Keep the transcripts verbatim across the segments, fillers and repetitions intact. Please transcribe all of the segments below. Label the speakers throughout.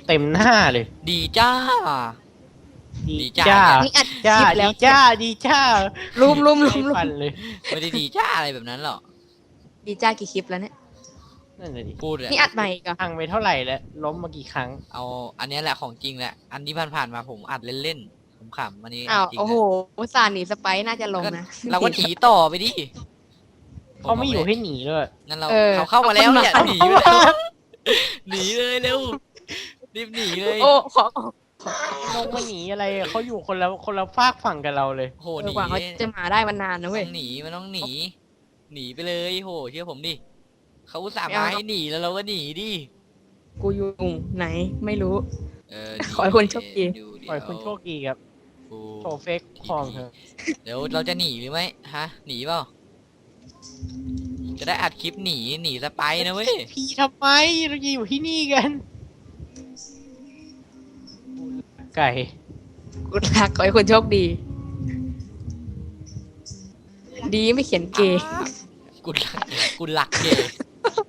Speaker 1: เต็มหน้าเลย
Speaker 2: ดีจ้า
Speaker 1: ดีจ้า
Speaker 3: นี่อัดค
Speaker 1: จ้า
Speaker 3: ลิปแล้
Speaker 1: ดี
Speaker 3: ว
Speaker 1: จ้าดีจ้า
Speaker 3: ลุมลุมลุม
Speaker 1: ไม่
Speaker 3: ลุ
Speaker 1: ฟั
Speaker 3: ม
Speaker 1: นเลย
Speaker 2: ไม่ได้ดีจ้าอะไรแบบนั้นหรอก
Speaker 3: ดีจ้ากี่คลิปแล้วเนี่ย
Speaker 1: นั่นเลยดิ
Speaker 2: พูดเลย
Speaker 3: นี่อัดใหม่อีก็
Speaker 1: พังไปเท่าไหร่แล้วล้มมากี่ครั้ง
Speaker 2: เอาอันนี้แหละของจริงแหละอันที่ผ่านๆมาผมอัดเล่นๆผมขำอันนี้
Speaker 3: อ้าว
Speaker 2: จริง
Speaker 3: โอ้โหอุตส่าห์หนีสไปซ์น่าจะลง
Speaker 2: ก็
Speaker 3: นะ
Speaker 2: เราก็หนีต่อไปดิ
Speaker 1: เขาไม่อยู่ให้หนีด้วย
Speaker 2: งั้นเรา
Speaker 3: เออ
Speaker 2: เขาเข้ามาแล้วเนี่ย
Speaker 3: เอา
Speaker 2: ห
Speaker 3: คน
Speaker 2: นี
Speaker 3: มา
Speaker 2: ไปแล้วหนีเลยเร็วรีบหนีเลย
Speaker 3: โอ้ขอ
Speaker 1: ลงมาหนีอะไรเขาอยู่คนละคนละฝากฝั่งกับเราเลย
Speaker 2: โห
Speaker 3: เอ
Speaker 2: หนี
Speaker 3: อกว่าเขาจะมาได้มันนานนะ
Speaker 2: ต้
Speaker 3: เว้ย
Speaker 2: องหนีมันต้องหนี หนีไปเลยโหเชื่อผมดิเขาอุตส่าห์
Speaker 3: ไม่
Speaker 2: มา
Speaker 3: เอา
Speaker 2: ให้หนีแล้วเราก็หนีดิ
Speaker 3: กูอยู่ไหนไม่รู้
Speaker 2: เออ
Speaker 3: ขอให้คุณโชคดี
Speaker 2: ดูเดี๋
Speaker 1: ปล่อยคุณโชคดีครับ
Speaker 2: กู
Speaker 1: โชว์เฟกคอมเถอะ
Speaker 2: เดี๋ยวเราจะหนีหรือไม่ฮะหนีเปล่าจะได้อัดคลิปหนีหนีสไปนะเว้ย
Speaker 1: พี่ทำไมเราจะอยู่ที่นี่กันไก่
Speaker 3: กูรักขอให้คุณโชคดี ดีไม่เขียนเกย์
Speaker 2: กูหลักกูหลักเกย์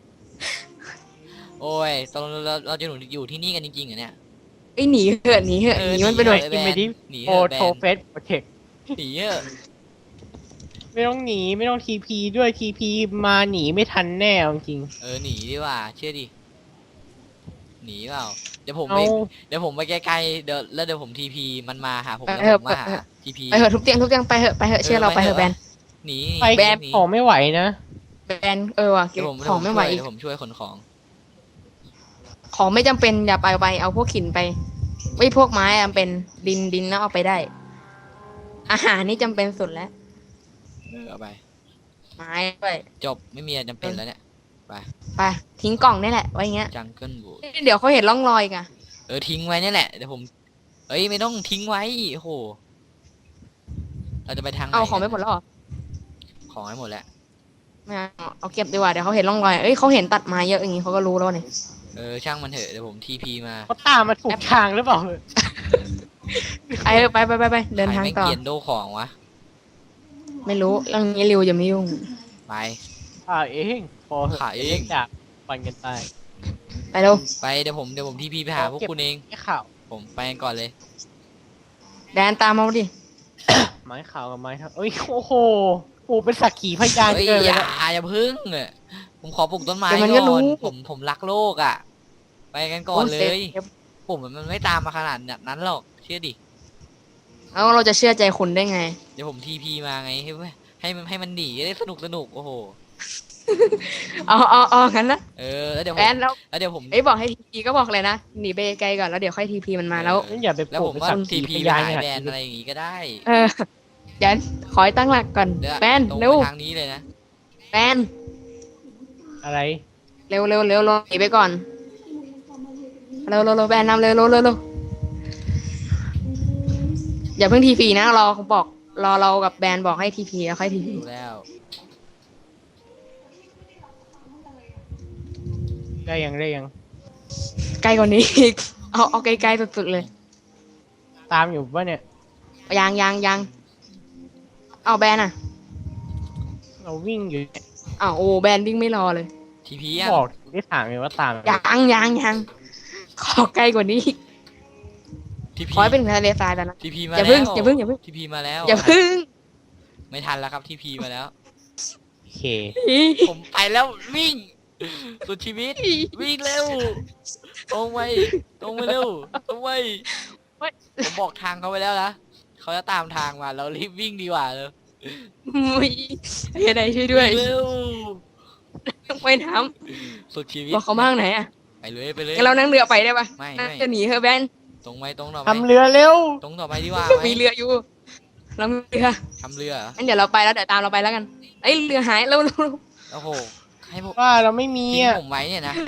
Speaker 2: โอ้ยตอนเราเราจะอยู่ที่นี่กันจริงๆเหรอเนี่ย
Speaker 3: ไอ้ยหนีเหอะหนีเหอะหนีมันไปหน่อย
Speaker 2: เออ
Speaker 1: กินไปที่
Speaker 2: หนี
Speaker 1: โอ
Speaker 2: เถอะแบน
Speaker 1: โทเฟสโปรเทค
Speaker 2: หนีเถอะ
Speaker 1: ไม่ต้องหนีไม่ต้องทีพีด้วยทีพีมาหนีไม่ทันแน่เอาจริง
Speaker 2: เออหนีดีกว่าเชื่อดิหนีเปล่าเดี๋ยวผม
Speaker 1: เอา
Speaker 2: ไปเดี๋ยวผมไปไกลๆเดี๋ยวแล้วเดี๋ยวผมทีพีมันมาหาผม
Speaker 3: ไป
Speaker 2: แล้ว
Speaker 3: เถ
Speaker 2: ผ
Speaker 3: อะ
Speaker 2: มมาหา
Speaker 3: ไปเถอะ
Speaker 2: ทีพี
Speaker 3: ไปเหอะทุบเตียงทุบเตียงไปเหอะไปเหอะเชื่อเราไปเหอะแบน
Speaker 2: หนี
Speaker 1: ไป
Speaker 3: แบน
Speaker 2: หนี
Speaker 1: ของไม่ไหวนะ
Speaker 3: แบนเออว่ะเก็
Speaker 2: เดี๋
Speaker 3: บ
Speaker 2: ยวผม
Speaker 3: ของไม่ไหว
Speaker 2: เดี๋ยวผมช่วยขนของ
Speaker 3: ของไม่จำเป็นอย่าไปเอาไปเอาพวกหินไปไม่พวกไม้จำเป็นดินดินแล้วเอาไปได้ อาหารนี่จำเป็นสุดแล้ว
Speaker 2: เออเอาไป
Speaker 3: ไม้ด้วย
Speaker 2: จบไม่มีอะไรจำเป็นแล้วเนี่ย
Speaker 3: ไปทิ้งกล่องนี่แหละไว้อย่างเงี้ย
Speaker 2: จังเกิลบูด
Speaker 3: เดี๋ยวเขาเห็นร่องรอยกัน
Speaker 2: เออทิ้งไว้นี่แหละเดี๋ยวผมเอ้ยไม่ต้องทิ้งไว้โอ้โหเราจะไปทางหน
Speaker 3: เอาของไม่หมดแล้วเหรอ
Speaker 2: ของให้หมดแล้ว
Speaker 3: ไม่เอาเอาเก็บดีกว่าเดี๋ยวเขาเห็นร่องรอยเอ้ยเขาเห็นตัดไม้เยอะอย่างงี้เขาก็รู้แล้วเนี่ย
Speaker 2: เออช่างมันเถอะเดี๋ยวผมทีพีมา
Speaker 1: เขาตามมาถูกทางหรือเปล่า
Speaker 3: ไปเถอะไปไปไปไปเดินทาง
Speaker 2: ใครไม่
Speaker 3: ต่อ
Speaker 2: เกียนโดของวะ
Speaker 3: ไม่รู้เรื่องนี้ริวจะไม่ยุ่ง
Speaker 2: ไป
Speaker 1: อ่าเองพอ
Speaker 2: ขายเอง
Speaker 1: จากปันกันตาย
Speaker 3: ไปเร็ว
Speaker 2: ไปเดี๋ยวผมเดี๋ยวผมทีพีไปหาพวกคุณเอง
Speaker 1: ไม้ข่าว
Speaker 2: ผมไปกันก่อนเลย
Speaker 3: แดนตามมาดิ
Speaker 1: ไม้ข่าวกับไม้ครับเอ้ยโอ้โหโอ้เป็นสักขีพยาน
Speaker 2: เฮ้ย
Speaker 1: เกิน
Speaker 2: อ
Speaker 1: เลย
Speaker 2: ย่า
Speaker 1: นะ
Speaker 2: อย่าพึ่งอะผมขอปลูกต้นไม้
Speaker 3: เดี๋ยวมัน
Speaker 2: ก่
Speaker 3: ก็รู้
Speaker 2: อนผมผมรักโลกอ่ะ ไปกันก่อนเล
Speaker 3: โซ
Speaker 2: ย
Speaker 3: ฟ
Speaker 2: ผมมันไม่ตามมาขนาดนั้นหรอกเชื่อดิ
Speaker 3: แล้วเราจะเชื่อใจคุณได้ไง
Speaker 2: เดี๋ยวผมทีพีมาไงให้ให้มันให้มันหนีได้สนุกสนุกโอ้โห
Speaker 3: เอาเอาเอางั้นนะ
Speaker 2: เออแล้วเดี๋ยวผ
Speaker 3: แด
Speaker 2: ม
Speaker 3: นแล้ว
Speaker 2: แล้วเดี๋ยวผม
Speaker 3: เอ้ยบอกให้ทีพีก็บอกเลยนะหนีไปไกลก่อนแล้วเดี๋ยวค่อยทีพีมันมาแล้ว
Speaker 1: งั้นอย่าไป
Speaker 2: แล้ว
Speaker 1: ปลู
Speaker 2: ผ
Speaker 1: ก
Speaker 2: ม
Speaker 1: เป็น
Speaker 2: ก็
Speaker 1: สัก
Speaker 2: ที
Speaker 1: ขี
Speaker 2: พี
Speaker 1: พ
Speaker 2: ไป
Speaker 1: ยาน
Speaker 2: หา
Speaker 1: ขนาด
Speaker 2: แบรนด์
Speaker 1: นี้
Speaker 2: อะไรอย่างงี้ก็ได้
Speaker 3: เออแดนขอให้ตั้งหลักก่อน
Speaker 2: เดี๋ยว
Speaker 3: แบน
Speaker 2: ตรง
Speaker 3: เร็ว
Speaker 2: ไปทางนี้เลยนะ
Speaker 3: แบน
Speaker 1: อะไร
Speaker 3: เร็วเร็วเร็วเร็วหนีไปก่อนเร็วเร็วเร็วแบนนำเร็วเร็วเร็วเร็วอย่าเพิ่งทีพีนะรอเขาบอกรอเรากับแบนบอกให้ทีพีแล้วค่อยทีพี
Speaker 2: ดูแล้ว
Speaker 1: ได้ยังได้ยัง
Speaker 3: ไกลกว่านี้อีกเอาเอาไกลๆสุดๆเลย
Speaker 1: ตามอยู่ปะเนี่ย
Speaker 3: ยังยังยังเอาแบนอ่ะ
Speaker 1: เราวิ่งอยู่เนี่ย
Speaker 3: อ้าวโอ้แบนวิ่งไม่รอเลย
Speaker 2: ทีพีอ่ะ
Speaker 1: บอกได้ถามเลยว่าตาม
Speaker 3: ยังยังยังขอไกลกว่านี้อีก
Speaker 2: ทีพี
Speaker 3: ขอให้เป็นทะเลทรายแต่นะ
Speaker 2: ทีพีมา
Speaker 3: อย่า
Speaker 2: แล้ว
Speaker 3: เพิ่งอย่าเพิ่งอย่าเพิ่ง
Speaker 2: ทีพีมาแล้ว
Speaker 3: อย่าเพิ่ง
Speaker 2: ไม่ทันแล้วครับทีพีมาแล้ว
Speaker 1: โอเค
Speaker 2: ผมไปแล้ววิ่งสุดชีวิตวิ่งเร็วตรงไปตรงไปเร็วตรงไปผมบอกทางเขาไปแล้วนะเขาจะตามทางมาเรารีบวิ่งดีกว่าเลย
Speaker 3: มุยเฮียใดช่วยด้วย
Speaker 2: เร็ว
Speaker 3: ว่ายน้
Speaker 2: สุดชีวิ
Speaker 3: ำ
Speaker 2: ต
Speaker 3: บอกเขาบ้างไหนอ่ะ
Speaker 2: ไปเลยไปเลย
Speaker 3: งั้นเรานั่งเรือไปได้ปะ
Speaker 2: ไม่
Speaker 3: น่า
Speaker 2: ไม่
Speaker 3: จะหนีเฮอะแบน
Speaker 2: ตรงไปตรงต่อไป
Speaker 1: ทำเรือเร็ว
Speaker 2: ตรงต่อไปดีกว่า
Speaker 3: มีเรืออยู่เรามีเรือ
Speaker 2: ทำเรือเหรอ
Speaker 3: งั้นเดี๋ยวเราไปแล้วเดี๋ยวตามเราไปแล้วกันเอ้ยเรือหายเร็วเร็วเร็ว
Speaker 2: โอ้โหให้ผม
Speaker 1: ว่าเราไม่มี
Speaker 2: ทิ้ง
Speaker 1: อ่ะ
Speaker 2: ผมไว้เนี่ยนะ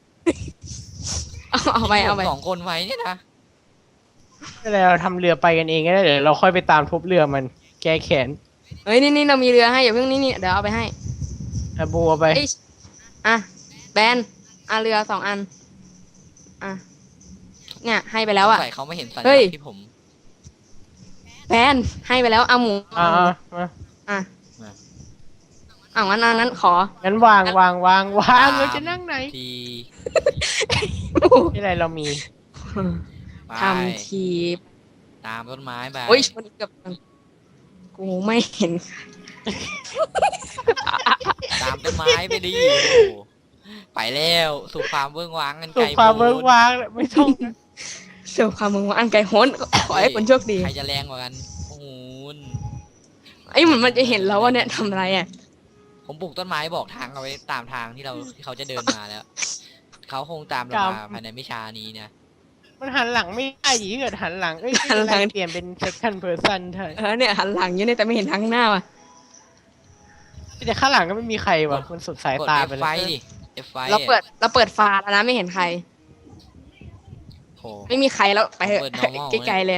Speaker 3: เอาเอาไป
Speaker 2: ทิ้ง
Speaker 3: เอา
Speaker 2: ผม
Speaker 3: ไป
Speaker 2: สองคนไว้เนี่ยนะ
Speaker 1: ก็เลยเราทำเรือไปกันเองก็ได้เดี๋ยวเราค่อยไปตามทุบเรือมัน แก้แขน
Speaker 3: เฮ้ยนี่นี่เรามีเรือให้อย่าเพิ่งนี่นี่เดี๋ยวเอาไปให้
Speaker 1: อะบัวไป
Speaker 3: เอ้ยอ่ะแบนอ่ะเรือสองอันอ่ะเนี่ยให้ไปแล้วอ่ะ
Speaker 2: สงสัยเขาไม่เห็นสัญ
Speaker 3: เฮ้
Speaker 2: ลั
Speaker 3: ย
Speaker 2: กษณ์ที่ผม
Speaker 3: แบนให้ไปแล้วเอาหมู
Speaker 1: อ่ามา
Speaker 3: อ่ะอ่ะงั้นอ่ะงั้นขอ
Speaker 1: งั้นวางวางวางวางเราจะนั่งไหน
Speaker 2: ที
Speaker 1: ที่ไรเรามี
Speaker 2: ไป
Speaker 3: ทำทีบ
Speaker 2: ตามต้นไม้ไป
Speaker 3: โอ้ยชนเกับกูไม่เห็น
Speaker 2: ตามต้นไม้ไปดิโอ้โหไปแล้วสู่ความเบื้องว้างกัน
Speaker 1: สุ
Speaker 2: ไกล
Speaker 1: ขความเบิก
Speaker 2: โพ้น
Speaker 1: วางไม่ต้อง
Speaker 3: เสียวความมึงว่าอันไกลโหนขอให้คนโชคดี
Speaker 2: ใครจะแรงกว่ากันโอ้โห
Speaker 3: ไอ้ยเหมือนมันจะเห็นแล้วว่าเนี่ยทำอะไรอ่ะ
Speaker 2: ผมปลูกต้นไม้บอกทางเอาไว้ตามทางที่เราที่เขาจะเดินมาแล้ว เขาคงตามเรามาภายในไม่ช้านี้นะ
Speaker 1: มันหันหลังไม่ได้ดิถ้าเกิดหันหลังเอ้ยไม่เป็นไรเปลี่ยนเป็น second person เถอะ
Speaker 3: เออเนี่ยหันหลังอยู่เนี่ยแต่ไม่เห็นทางหน้าว่ะ
Speaker 1: แต่ข้างหลังก็ไม่มีใครว่ะมันสุดสาย
Speaker 2: กด
Speaker 1: ตา
Speaker 2: F
Speaker 1: ไป
Speaker 2: ไฟ
Speaker 1: เลย
Speaker 2: ดิ F ไฟ
Speaker 3: เราเปิดเราเปิดฟ้าแล้วนะไม่เห็นใคร
Speaker 2: โห
Speaker 3: ไม่มีใครแล้วไปเถอะ
Speaker 2: เปิด normal
Speaker 3: ไกลๆเลย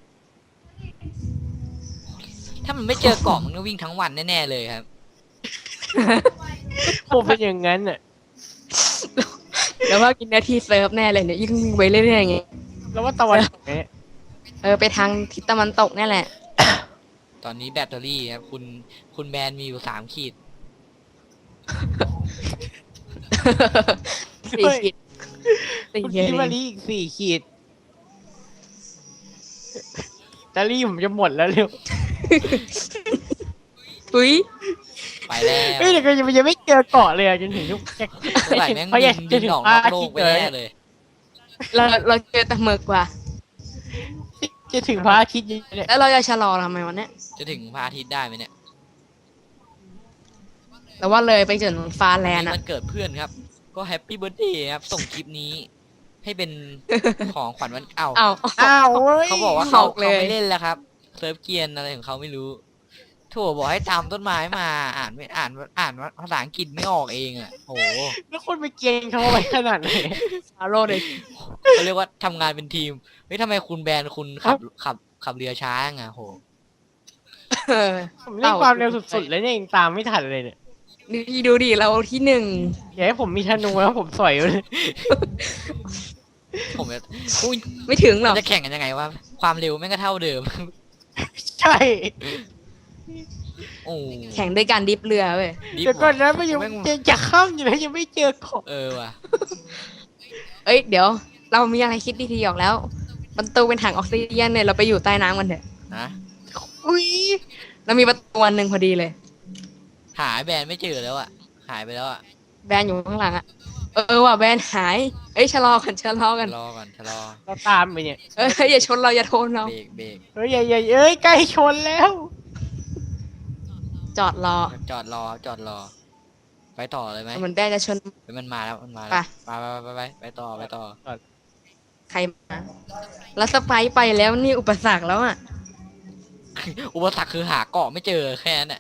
Speaker 2: ถ้ามันไม่เจอเกาะมันก็วิ่งทั้งวันแน่ๆเลยครับ
Speaker 1: ผมเป็นอย่างนั้นอ่ะ
Speaker 3: แล้วว่ากินนาทีเซิร์ฟแน่เลยเนี่ยยิ่งวิ่งไปเรื่อยๆอย่างเงี้ย
Speaker 1: แล้วว่าตะวันตกเนี่ย
Speaker 3: เออไปทางทิศตะวันตกนี่แหละ
Speaker 2: ตอนนี้แบตเตอรี่ครับคุณคุณแบนมีอยู่สามขีด
Speaker 3: สี่ขีดสี่
Speaker 1: คุณ
Speaker 3: ขีด
Speaker 1: คิดว่าลีอีกสี่ขีดตาลี่ผมจะหมดแล้วเร็ว
Speaker 3: ทุย
Speaker 2: ไปแล้ว
Speaker 1: เฮ้ยเดี๋ยวก็ยังยังไม่เจอเกาะเลยอะจนถึงทุกแค่
Speaker 2: เมื่อไหร่แม่ง
Speaker 1: เขา
Speaker 2: บิ
Speaker 1: อยาก
Speaker 2: น
Speaker 1: จะ
Speaker 2: บิน
Speaker 1: ถึง
Speaker 2: ออก
Speaker 1: ภาน
Speaker 2: อก
Speaker 1: ค
Speaker 2: โล
Speaker 1: ทิ
Speaker 2: ก
Speaker 1: ต
Speaker 2: ไป
Speaker 1: เลย
Speaker 2: แน่เลย
Speaker 3: เราเราเจอแต่หมึกว่ะ
Speaker 1: จะถึงพระอาทิตย์เนี่ย
Speaker 3: แล้วเราจะชะลอทำไมวะเนี่ย
Speaker 2: จะถึงพระอาทิตย์ได้ไหมเนี่ย
Speaker 3: แต่ว่าเลยไปจนฟ้าแลนด์
Speaker 2: นี่
Speaker 3: อะ
Speaker 2: มันเกิดเพื่อนครับ ก็แฮปปี้เบิร์ดเดย์ครับ ส่งคลิปนี้ ให้เป็น ของขวัญวันเอ้า
Speaker 3: เอา
Speaker 1: อ้าวเว้ย
Speaker 2: เขาบอกว่าเขา
Speaker 3: บอกเลย
Speaker 2: เขาไม่เล่นแล้วครับเซิร์ฟเกียนอะไรของเขาไม่รู้โถบอกให้ตามต้นไม้มาอ่านไม่อ่านอ่านภาษาอังกฤษไม่ออกเองอ่ะโห
Speaker 1: แล้วคนไปเกณฑ์เขาไปขนาดไหน
Speaker 3: ฟาโรห์เลย
Speaker 2: เขาเรียกว่าทำงานเป็นทีมเฮ้ยทำไมคุณแบนคุณขับขับขับเรือช้าไงโห
Speaker 3: เออ
Speaker 1: ผมเล่นความเร็วสุดๆเลยเนี่ยยังตามไม่ทันเลยเนี่ย
Speaker 3: ดูดิดูดิเราที่หนึ่ง
Speaker 1: อย่าให้ผมมีธนูแล้วผมสอยเลย
Speaker 2: ผมจะอุ้ย
Speaker 3: ไม่ถึงหร
Speaker 2: มั
Speaker 3: อก
Speaker 2: นจะแข่งกันยังไงวะความเร็วแม่งก็เท่าเดิม
Speaker 1: ใช่
Speaker 2: โอ้
Speaker 3: แข่งด้วยการดิฟเรือเว้ย
Speaker 2: ดิฟ
Speaker 1: แต่ก่อนนั้นมันยัง
Speaker 2: แม่ง
Speaker 1: จะจะข้ามอยู่เลยยังไม่เจอเกาะ
Speaker 2: เออว่ะ
Speaker 3: เอ้ยเดี๋ยว เรามีอะไรคิดดีๆออกแล้วประตูเป็นถังออกซิเจนเนี่ยเราไปอยู่ใต้น้ำกันเถอะ
Speaker 2: นะ
Speaker 1: อุ้ย
Speaker 3: เรามีประตูอันหนึ่งพอดีเลย
Speaker 2: หาแบรนด์ไม่เจอแล้วอ่ะหายไปแล้วอ่ะ
Speaker 3: แบรนด์อยู่ข้างหลังอะเออว่ะแบรนด์หาย เอ้ยชะลอกันชะลอกัน
Speaker 2: รอก่อนชะลอ
Speaker 1: เราตามไปเนี่ย
Speaker 3: เอ้ยอย่าชนเราอย่าโทนเรา
Speaker 2: เบรกเบรก
Speaker 1: เฮ้ยอย่าอย่าเอ้ยใกล้ชนแล้ว
Speaker 3: จอดรอ
Speaker 2: จอดรอจอดรอ ไปต่อเลยไหม
Speaker 3: เหมือนแบรนด์จะชน
Speaker 2: เฮ้ยมันมาแล้วมันมา
Speaker 3: ไป
Speaker 2: แล้วไปไปไปไปไปต่อไปต่อ
Speaker 3: ใครมาแล้วสไปซ์ไปแล้วนี่อุปสรรคแล้วอ่ะ
Speaker 2: อุปสรรคคือหาเกาะไม่เจอแค่นั้นแหละ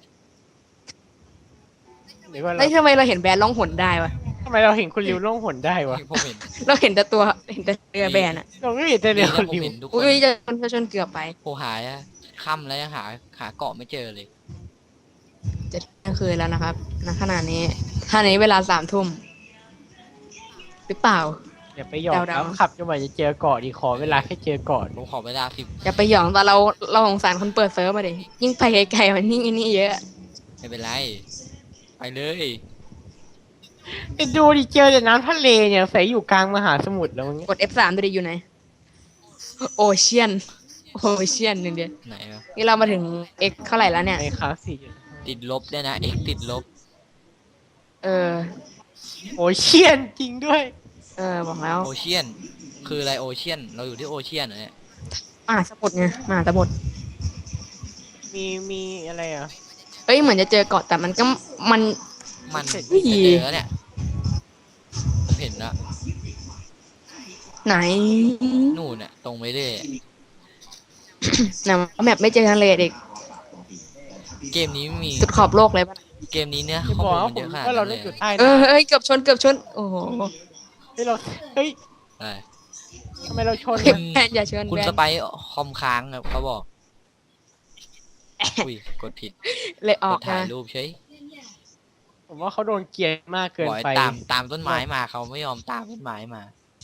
Speaker 1: เดี๋ยวก่อนเรา
Speaker 3: แล้วทำไมเราเห็นแบรนด์ล่องหนได้วะ
Speaker 1: ทำไมเราเห็นคุณริวล่องหนได้วะ
Speaker 2: ผมเห็น
Speaker 3: เราเห็นแต่ตัวเห็นแต่เรือแบรนด์อ่ะ
Speaker 1: เราก็เห็นแต่
Speaker 2: ดี
Speaker 1: เดี๋ยว
Speaker 2: นะ
Speaker 1: คุณ
Speaker 2: ผม
Speaker 1: ริว
Speaker 2: เห็นทุกค
Speaker 3: อุ้
Speaker 2: น
Speaker 3: ยจะชนจะชนเกือบไป
Speaker 2: โหหายอะค่ำแล้วยังหาหาเกาะไม่เจอเลย
Speaker 3: จะเที่ยงคืนแล้วนะครับณขณะนี้ท่านี้เวลาสามทุ่มหรือเปล่า
Speaker 1: อย่าไปหยอก
Speaker 3: เดาๆ
Speaker 1: แล้วขับจนกว่าจะเจอเกาะดีขอเวลาแค่เจอเกาะ
Speaker 2: ผมขอเวลาสิบ
Speaker 3: อย่าไปหยองแต่เราเราสงสารคนเปิดเซิร์ฟมาดิยิ่งไปไกลๆมันยิ่งอันนี้เยอะ
Speaker 2: ไม่เป็นไร ไปเลย
Speaker 1: แต่ดูดิเจอแต่น้ำทะเลเนี่ยใส่อยู่กลางมหาสมุทรแล้วมัน
Speaker 3: กด เอฟ สาม ดูดิอยู่ไหนโอเชียนโอเชียนหนึ่งเดียว
Speaker 2: ไหนวะ
Speaker 3: นี่เรามาถึง x เท่าไหร่แล้วเนี่ย
Speaker 1: ในคลาสสี่
Speaker 2: ติดลบด้วยนะ x ติดลบ
Speaker 3: เออ
Speaker 1: โอเชียนจริงด้วย
Speaker 3: เออบอกแล้ว
Speaker 2: โอเชียน คืออะไรโอเชียน เราอยู่ที่โอเชียนเหรอเนี่ย
Speaker 3: มหาสมุทรไงมหาสมุทร
Speaker 1: มีมีอะไรอ่ะ
Speaker 3: เอ้ยเหมือนจะเจอเกาะแต่มันก็มัน
Speaker 2: มัน
Speaker 1: เสร็จ
Speaker 2: จะเจอแล้วเนี่ยผมเห็นแล้ว
Speaker 3: ไหน
Speaker 2: นู่นน่ะตรงไปเรื่อย
Speaker 3: ไหนแมปไม่เจอทะเลเด็ก
Speaker 2: เกมนี้ไม่มี
Speaker 3: สุดขอบโลกเลยปะ
Speaker 2: เกมนี้เนี่ย
Speaker 1: จะ
Speaker 2: ข้อบ
Speaker 1: อ
Speaker 2: มู
Speaker 1: ก
Speaker 2: ล
Speaker 1: ว่า
Speaker 2: มัน
Speaker 1: ผ
Speaker 2: เย
Speaker 1: ม
Speaker 2: อะขนาด
Speaker 1: ว่าเรา
Speaker 2: นั้นเล
Speaker 1: ได้
Speaker 2: ย
Speaker 1: อยู่ใต้
Speaker 3: เออ
Speaker 1: น้ำ
Speaker 3: เฮ้ยเกือบชนเกือบชนโอ้โห
Speaker 1: เฮ้ยเราเฮ้ย
Speaker 2: ใช่
Speaker 1: ทำไมเราชน
Speaker 3: เก็บ
Speaker 1: มัน
Speaker 3: แบนอย่าชน
Speaker 2: คุณ
Speaker 3: แบ
Speaker 2: ส
Speaker 3: น
Speaker 2: ไปซ์คอมค้างครับเขาบอก อุ้ย กดผิด
Speaker 3: เลยอก อก
Speaker 2: ดถ่าย
Speaker 3: นะ
Speaker 2: รูปเฉย
Speaker 1: ผมว่าเขาโดนเกลียดมากเกิน
Speaker 2: บอกให้
Speaker 1: ไป
Speaker 2: ตามตามต้นไม้มาเขาไม่ยอมตามต้นไม้มา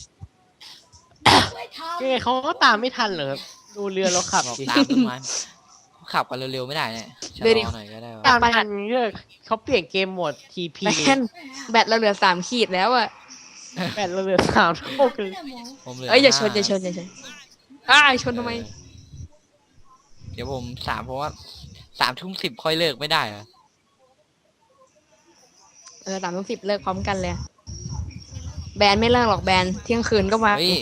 Speaker 1: คือเขาก็ตามไม่ทันเหรอครับดูเรือเราขับ
Speaker 2: บอก
Speaker 1: สิ
Speaker 2: ตามต้นไม้เขาขับกันเร็วๆไม่ได้เนี่ยชะลอหน่อยก็ได้วะ
Speaker 1: ตามทันเลือกเขาเปลี่ยนเกมโหมด ที พี
Speaker 3: แบนแบตเราเหลือสามขีดแล้วอะ
Speaker 1: แบตเราเหลือสามเท่ากัน
Speaker 2: ผมเหลือ
Speaker 3: เอ้ยอย่าชน
Speaker 2: ห้
Speaker 3: อย่าชนอย่าชนอ้ายชนทำไม
Speaker 2: เออเดี๋ยวผมสามเพราะว่าสามทุ่มสิบค่อยเลิกไม่ได้เหรอ
Speaker 3: เออสามทุ่มสิบเลิกพร้อมกันเลย แบนไม่เลิกหรอกแบนเที่ยงคืนก็มา
Speaker 2: เฮ้ย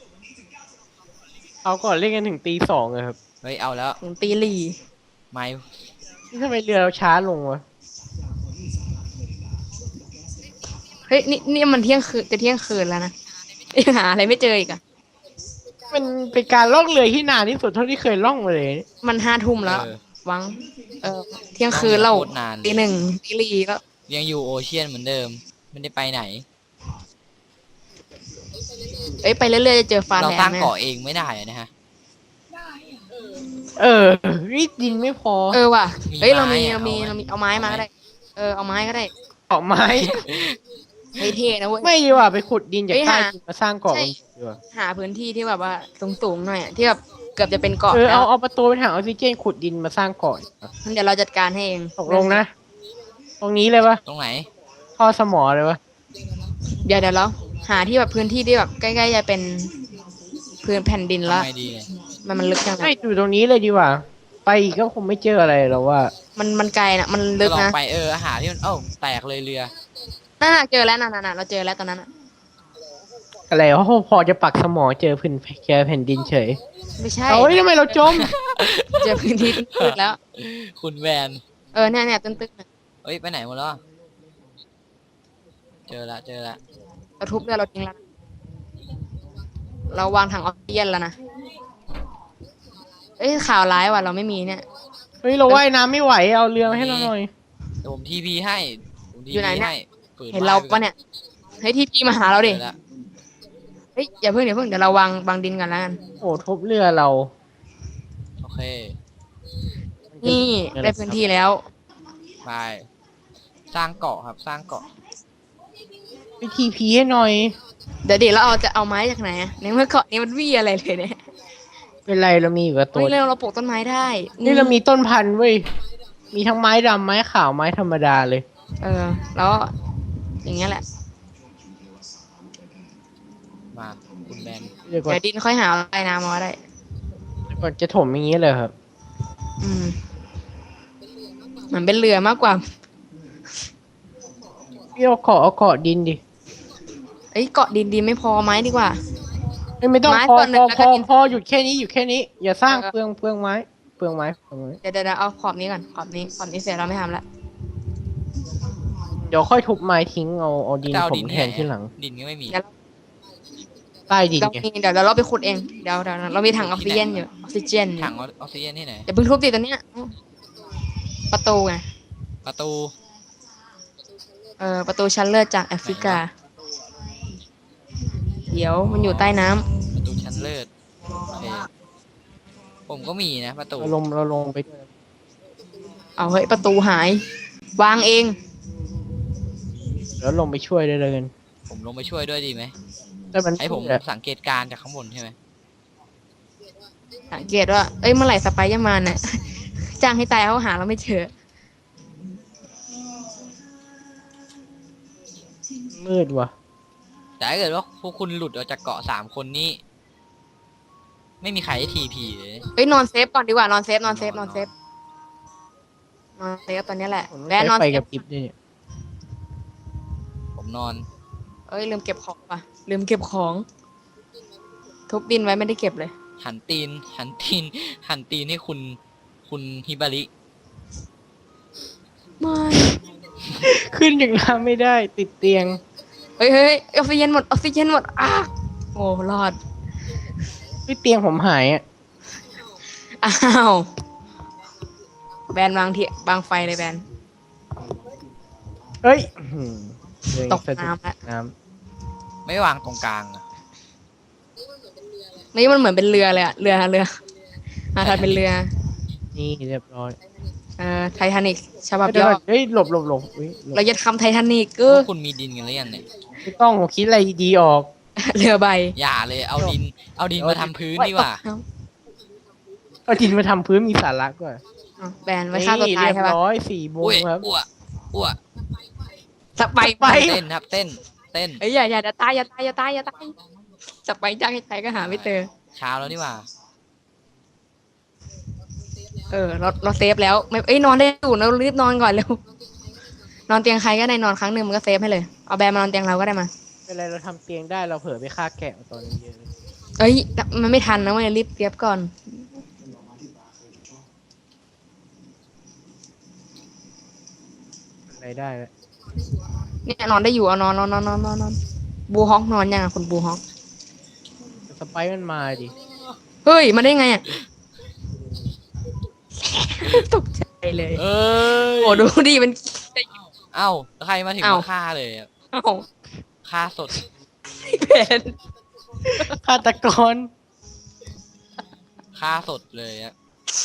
Speaker 1: เอาก่อนเล่นกันถึงตีสองเลยครับ
Speaker 2: เฮ้ยเอาแล้ว
Speaker 3: ถึงตีหลี
Speaker 2: ไม่
Speaker 1: นี่ทำไมเรือเราช้าลงวะ
Speaker 3: เฮ้ยนี่นี่มันเที่ยงคืนจะเที่ยงคืนแล้วนะยังหาอะไรไม่เจออีกอะ
Speaker 1: มันเป็นการล่องเรือที่นานที่สุดเท่าที่เคยล่องมาเลย
Speaker 3: มันห้าทุ่มแล้ว
Speaker 2: เออ
Speaker 3: วัง เออเที่ยงคืนเรา
Speaker 2: โคตรนาน
Speaker 3: ตีหนึ่งตีหลีก็
Speaker 2: ยังอยู่โอเชียนเหมือนเดิมไม่ได้ไปไหน
Speaker 3: เอ้ยไปเรื่อยๆจะเจอฟา
Speaker 2: เรา
Speaker 3: แล
Speaker 2: สร้าง
Speaker 3: นด์นะ
Speaker 2: เกาะเองไม่ได้อะนะฮะ
Speaker 1: เออรีดดินไม่พอ
Speaker 3: เออว่ะ
Speaker 2: มี
Speaker 3: เอ้ยเรามี
Speaker 2: ไม้อะ
Speaker 3: เรามี
Speaker 2: เอาไหม
Speaker 3: เรามีเอาไม้มา
Speaker 2: เอาไหม
Speaker 3: ก็ได้ เออเอาไม้ก็ได้
Speaker 1: เกาะไม้
Speaker 3: เท่ๆนะเว้ย
Speaker 1: ไม่ดีกว่าไปขุดดินจาก
Speaker 3: เฮ้ย
Speaker 1: ใต้
Speaker 3: หา
Speaker 1: ดินมาสร้างเกาะ
Speaker 3: ใช่
Speaker 1: กันดีกว่า
Speaker 3: หาพื้นที่ที่แบบว่าสูงๆหน่อยอะที่แบบเกือบจะเป็นเกาะ
Speaker 1: เออ
Speaker 3: แล้
Speaker 1: เอา
Speaker 3: ว
Speaker 1: เอาประตูไปถังออกซิเจนขุดดินมาสร้างเกาะดีกว่า
Speaker 3: เดี๋ยวเราจัดการให้เอง
Speaker 1: ตกลงนะ ตรงนี้เลยปะ
Speaker 2: ตรงไหน
Speaker 1: ท่อสมอเลยวะ
Speaker 3: เดี๋ยวเดี๋ยวเราหาที่แบบพื้นที่ที่แบบใกล้ๆจะเป็นพื้นแผ่นดินแล้ว
Speaker 2: ทำไงดีเนี่ย
Speaker 3: มันมันลึกจัง
Speaker 1: ไม่
Speaker 3: อะ
Speaker 1: อยู่ตรงนี้เลยดีกว่า ไปอีกก็คงไม่เจออะไรหรอกว่า
Speaker 3: มันมันไกลนะมันลึก
Speaker 2: ก็ลอง
Speaker 3: นะ
Speaker 2: ไปเอออาหารที่มันเอ้าแตกเลยเรือ
Speaker 3: น่าเจอแล้วน่ะน่ะเราเจอแล้วตอนนั้นอะ
Speaker 1: อะไรวะพอจะปักสมอเจอพื้นเจอแผ่นดินเฉย
Speaker 3: ไม่ใช่
Speaker 1: เอ้ยทำไมเราจม
Speaker 3: เจอพื้นที่ตื้นๆแล้ว
Speaker 2: คุณแวน
Speaker 3: เออเนี่ยเนี่ยตื้นๆน่ะ
Speaker 2: เอ้ยไปไหนหมดแล้วอะเจอละเจอละ
Speaker 3: เราทุบเรือเราทิ้งแล้วนะเราวางถังออกซิเจนแล้วนะเอ้ยข่าวร้ายว่ะเราไม่มีเนี่ย
Speaker 1: เฮ้ยเราว่ายน้ำไม่ไหวเอาเรือมาให้เราหน่อย
Speaker 2: เดี๋ยวผมทีพีให้ผมที
Speaker 3: อยู่ไหน
Speaker 2: พี
Speaker 3: เนี่ย
Speaker 2: ให้ปิด
Speaker 3: เห็นเรา
Speaker 2: ไม้ไปก่
Speaker 3: ปะเนี่ยเฮ้ยที่พี่มาหาเราดิ
Speaker 2: จอละ
Speaker 3: เฮ้ยอย่าเพิ่งอย่าเพิ่งเดี๋ยวเราวางวางดินกันแล้วกัน
Speaker 1: โอ้ทุบเรือเรา
Speaker 2: โอเค
Speaker 3: นี่ได้พื้นที่แล้ว
Speaker 2: ไปสร้างเกาะครับสร้างเกาะ
Speaker 1: ไปทีพีให้หน่อย
Speaker 3: เดี๋ยวเดี๋ยวเราเอาจะเอาไม้จากไหนอะในเมื่อเกาะนี้มันไม่มีอะไรเลยเนี่ย
Speaker 1: เป็นไรเรามีอยู่กับตั
Speaker 3: เฮ้
Speaker 1: วย
Speaker 3: เราเราปลูกต้นไม้ได้
Speaker 1: นี่เรามีต้นพันธุ์เว้ย มีทั้งไม้ดำไม้ขาวไม้ธรรมดาเลย
Speaker 3: เออ แล้วอย่างเงี้ยแหละ
Speaker 2: มาคุณแมน
Speaker 1: เดี๋ยวก่อน
Speaker 3: เดี๋ยวดินค่อยหาอะไรน้ำมาได้
Speaker 1: ก่อนจะถมอย่างนี้เลยครับ
Speaker 3: อืมเหมือนเป็นเรือมากกว่า
Speaker 1: พี่เอาเกาะเอาเกาะดินดิ
Speaker 3: เอ้ยเกาะดินดีไม่พอไม้ดีกว่า
Speaker 1: ไม่ไม่ต้อง
Speaker 3: ไม้
Speaker 1: พอ
Speaker 3: ส่วนหนึ่
Speaker 1: พ
Speaker 3: ง
Speaker 1: อ
Speaker 3: แล้ว
Speaker 1: พ
Speaker 3: ก็
Speaker 1: อ
Speaker 3: ดิน
Speaker 1: พอหยุดแค่นี้หยุดแค่นี้ อย่าสร้าง
Speaker 3: เออ
Speaker 1: เปลืองเปลืองไม้เปลืองไม้เปลืองไม้
Speaker 3: เดี๋ยวเดี๋ยวเดี๋ยวเอาขอบนี้ก่อนขอบนี้ขอบนี้เสร็จเราไม่ทำละ
Speaker 1: เดี๋ยวค่อยทุบไม้ทิ้งเอาเอาดิน
Speaker 2: จะเอา
Speaker 1: ถ
Speaker 2: ดิ
Speaker 1: ม
Speaker 2: น
Speaker 1: แทนที่หลัง
Speaker 2: ดินก็ไม่มี
Speaker 3: เดี๋ยว
Speaker 1: ใต้ดิน
Speaker 3: เรา
Speaker 1: ไง
Speaker 3: มีเดี๋ยวเดี๋ยวเราไปขุดเองเดี๋ยวเดี๋ยวเรามีถังออกซิเจนอยู่ออกซิเจนอยู่
Speaker 2: ถังออกซิเจนที่ไหน
Speaker 3: อย่าเพิ่งทุบติดตัวเนี้ยประตูไง
Speaker 2: ประตู
Speaker 3: เออประตูชั้นเลิศจากแอฟริกา เดี๋ยวมันอยู่ใต้น้ำ
Speaker 2: ประตูชั้นเลิศโอเคผมก็มีนะประตู
Speaker 1: เราลงเราลงไป
Speaker 3: เอาเฮ้ยประตูหาย วางเอง
Speaker 1: แล้วลงไปช่วยได้เลยกัน
Speaker 2: ผมลงไปช่วยด้วยดีไหม
Speaker 1: แต่มัน
Speaker 2: ให้ผม
Speaker 1: เนี่ย
Speaker 2: สังเกตการณ์จากข้างบนใช่ไหม
Speaker 3: สังเกตว่า เอ้ย เมื่อไหร่สไปซ์จะมาเนี่ย จ้างให้ตายเขาหาเราไม่เจอ
Speaker 1: มืดว่ะ
Speaker 2: แต่ถ้าเกิดว่าพวกคุณหลุดออกจากเกาะสามคนนี้ ไม่มีใครให้ทีพีเลย
Speaker 3: เอ้ย นอนเซฟก่อนดีกว่า นอนเซฟ นอนเซฟ นอนเซฟ นอนเซฟตอนนี้แหละ
Speaker 1: ผม
Speaker 3: แวะนอน
Speaker 1: ไป
Speaker 3: เซ
Speaker 1: กั
Speaker 3: ฟ
Speaker 1: บกิฟต์ด้วยเนี่ย
Speaker 2: ผมนอน
Speaker 3: เอ้ย ลืมเก็บของป่ะ ลืมเก็บของ ทุบดินไว้ไม่ได้เก็บเลย
Speaker 2: หันตีน หันตีน หันตีนให้คุณ คุณฮิบาริ
Speaker 3: ไม่
Speaker 1: ขึ้นจากน้ำไม่ได้ติดเตียง
Speaker 3: เฮ้ยเฮ้ยออกซิเจนหมด ออกซิเจนหมดอ้าโอ้รอด
Speaker 1: ที่เตียงผมหายอ่ะ
Speaker 3: อ้าว แบนวางเทียบางไฟเลยแบน
Speaker 1: เฮ้ยอื้อหือเรือ
Speaker 3: ต
Speaker 1: ยัง
Speaker 3: ก
Speaker 1: สะดุด
Speaker 3: น้ำแล้ว
Speaker 1: น้
Speaker 2: ไม่วางตรงกลางอะ
Speaker 3: นี่มันเหมือนเป็นเรือเลยอะเรือเรือมาทำเป็นเรือ
Speaker 1: ำนี่เรียบร้อย
Speaker 3: เอ่อไททานิกฉบับ
Speaker 1: เดี๋ย
Speaker 3: ย่
Speaker 1: ว
Speaker 3: อ
Speaker 1: ก่อนเฮ้ยหลบหลบหลบเฮ้ยหลบ
Speaker 3: เราจะทำไททานิก
Speaker 2: พ
Speaker 3: ก็
Speaker 2: วกคุณมีดินกันหรือยังเนี่ย
Speaker 1: ไม่ต้องผมคิดอะไรดีๆออก
Speaker 3: เรือใบ
Speaker 2: อย่าเลย เอาดิน เอาดินมาทำพื้นดีกว่า
Speaker 1: เอาดินมาทำพื้นมีสาระกว่า
Speaker 3: เอาแบนไว้ฆ่าตัวตาย
Speaker 1: เรี
Speaker 3: ใช่
Speaker 1: บ
Speaker 3: ปะ
Speaker 1: ร้อยสี่โมง
Speaker 2: อุ้ย
Speaker 1: ครับ
Speaker 2: อ้วอ้ว
Speaker 3: สไปไป
Speaker 2: เต้นครับเต้นเต้น
Speaker 3: เอ้ยอย่าอย่าอย่าตายอย่าตายอย่าตายอย่าตายจะไปจ้างให้ตายก็หาไม่เจอ
Speaker 2: เช้าแล้วนี่หว่า
Speaker 3: เออเราเราเซฟแล้วไม่เอ้ยนอนได้อยู่เรารีบนอนก่อนเร็วนอนเตียงใครก็ได้นอนครั้งหนึ่งมันก็เซฟให้เลยเอาแบร์มานอนเตียงเราก็ได้มา
Speaker 1: เป็นไรเราทำเตียงได้เราเผลอไปฆ่าแกะตอนนี้เยอะเลย
Speaker 3: เอ้ยมันไม่ทันนะเว้ยรีบเซฟก่อน
Speaker 1: อะไรได้แล้ว
Speaker 3: เนี่ยนอนได้อยู่เอานอนนอนนอนนอนนอนนอนบูฮอกนอนยังอ่ะคุณบูฮอก
Speaker 1: สไปร์มันมาดิ
Speaker 3: เฮ้ยมาได้ไงอ่ะ ตกใจเลย
Speaker 2: เอ้ย
Speaker 3: โอ้ดูดิมัน
Speaker 2: เอ้าใครมาถึง
Speaker 3: เอ้า
Speaker 2: มาฆ่าเลยอะ
Speaker 3: เอ้า
Speaker 2: ฆ่าสด
Speaker 3: เป็น
Speaker 1: ฆาตกร
Speaker 2: ฆ่าสดเลยอะ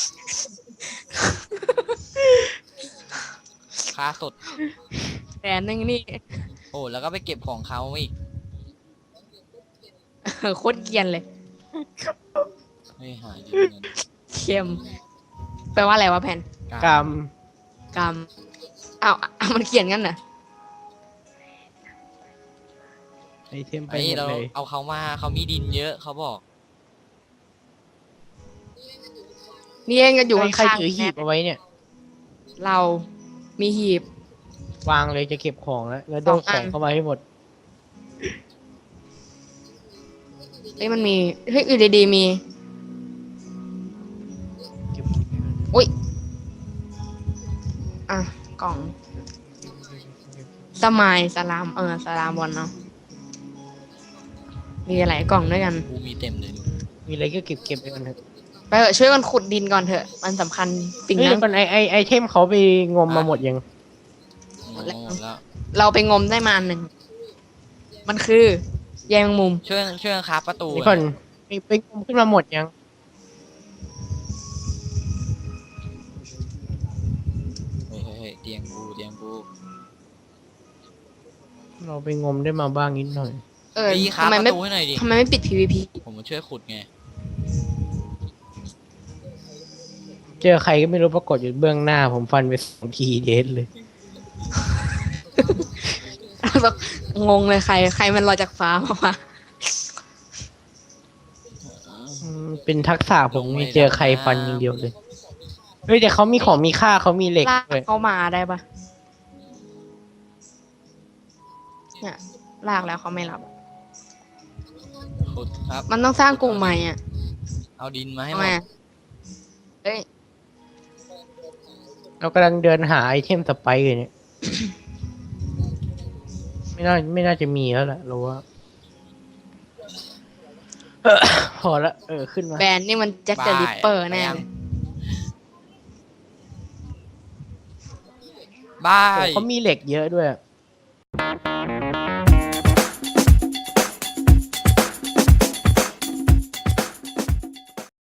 Speaker 2: ฆ่าสด
Speaker 3: แผนนึงนี่
Speaker 2: โอ้แล้วก็ไปเก็บของเขาอีก
Speaker 3: เออโคตรเกรียนเลย
Speaker 2: ไม่หายเลยเงิน
Speaker 3: เข้มแปลว่าอะไรวะแผน
Speaker 1: กรรม
Speaker 3: กรรมอ้าวอ้าวมันเขียนงั้นเหรอ
Speaker 1: ไอเทมไป
Speaker 2: ไอ้
Speaker 1: หมด
Speaker 2: เรา
Speaker 1: เลย
Speaker 2: เอาเขามาเขามีดินเยอะเขาบอก
Speaker 3: นี่เองก็อยู่
Speaker 1: ใครใคร
Speaker 3: ข้าง
Speaker 1: ถือหีบเอาไว้เนี่ย
Speaker 3: ๆเรามีหีบ
Speaker 1: วางเลยจะเก็บของแล้วแล้วโด
Speaker 3: สอน ง
Speaker 1: ข
Speaker 3: อั
Speaker 1: อน งเข้ามาให้หมด
Speaker 3: เอ้ยมันมีเฮ้ยอยู่ดีๆมี
Speaker 1: เก็บ
Speaker 3: อุ้ยอ่ะกล่องสมายสลามเออสลามบอลเนาะมีหลายกล่องด้วยกัน
Speaker 2: กูมีเต็มเลยดู
Speaker 1: มีอะไรก็เก็บเก็บไปกันเถอะ
Speaker 3: ไปเถอะช่วยกันขุดดินก่อนเถอะ มันสำคัญสิ่ง
Speaker 1: เฮ้ย
Speaker 3: นั้
Speaker 1: เดี๋ย
Speaker 3: น
Speaker 1: วก่อนไอไอไอเทมเขาไปงมมาหมดยัง
Speaker 2: หมดแล้วหมดแล้ว
Speaker 3: เราไปงมได้มาอันหนึ่ง มันคือแยงมุม
Speaker 2: ช่วยช่วยกันครับประตู
Speaker 1: นี่ก่อนไปไปงมขึ้นมาหมดยัง
Speaker 2: เฮ้ยเฮ้ยเฮ้ยเตียงกูเตียงกู
Speaker 1: เราไปงมได้มาบ้างนิดหน่อย
Speaker 3: เออ
Speaker 2: พี่ครับ
Speaker 3: ทำไม
Speaker 2: ประ
Speaker 3: ไม่
Speaker 2: ตูให้หน่อยดิ
Speaker 3: ทำไมไม่ปิด พี วี พี
Speaker 2: ผมมาช่วยขุดไง
Speaker 1: เจอใครก็ไม่รู้ปรากฏอยู่เบื้องหน้า ผมฟันไปสองทีเดสเลย
Speaker 3: งงเลยใคร ใครมันลอยจากฟ้ามาวะ
Speaker 1: อืมเป็นทักษะผมมีเจอใครฟันอย่างเดียวเลยเฮ้ยแต่เขามีของมีค่าเขามีเหล็ก
Speaker 3: ลาก
Speaker 1: ด้วย
Speaker 3: เข้ามาได้ปะเนี่ยลากแล้วเขาไม่รับอะ
Speaker 2: ขุดครับ
Speaker 3: มันต้องสร้างกรงใหม่อ่ะ
Speaker 2: เอาดินมาให้
Speaker 3: ทำ
Speaker 2: หม
Speaker 3: ไม
Speaker 2: ด
Speaker 3: อะเอ้ย
Speaker 1: เรากำลังเดินหาไอเทมสไปร์อยู่เนี่ย ไม่น่าไม่น่าจะมีแล้วแหละเราว่า เออพอละเออขึ้นมา
Speaker 3: แบรนด์นี่มันแจ็คเดอะริปเปอร์แน่
Speaker 2: ยัง
Speaker 3: เลย
Speaker 2: บ้า
Speaker 1: โอ้
Speaker 2: ย
Speaker 1: เขามีเหล็กเยอะด้วยอะ